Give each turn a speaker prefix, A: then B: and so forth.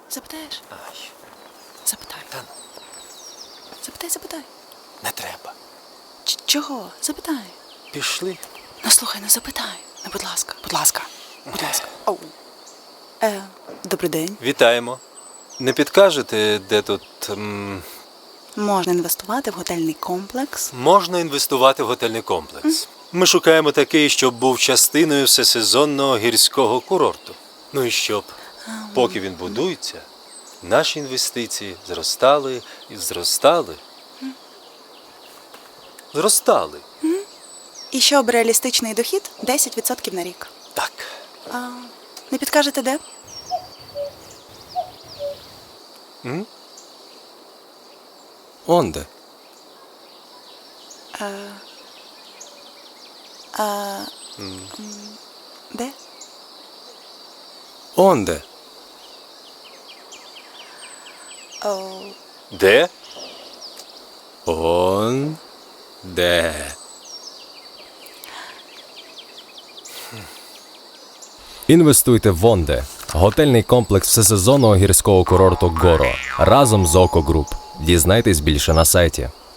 A: Запитаєш?
B: Ай,
A: Запитай.
B: та
A: Запитай.
B: не треба.
A: Чого? Запитай.
B: Пішли.
A: Ну слухай, ну запитай. Ну, будь ласка. Оу. Добрий день.
B: Вітаємо. Не підкажете, де тут
A: Можна інвестувати в готельний комплекс.
B: можна інвестувати в готельний комплекс? Ми шукаємо такий, щоб був частиною всесезонного гірського курорту. Ну і щоб, поки він будується, наші інвестиції зростали і зростали. Зростали.
A: І щоб реалістичний дохід 10% на рік.
B: Так.
A: Не підкажете де?
C: Онде.
A: Де?
C: Онде.
B: Де?
C: Онде. Інвестуйте в Онде. Готельний комплекс всесезонного гірського курорту Горо разом з Око Груп. Дізнайтесь більше на сайті.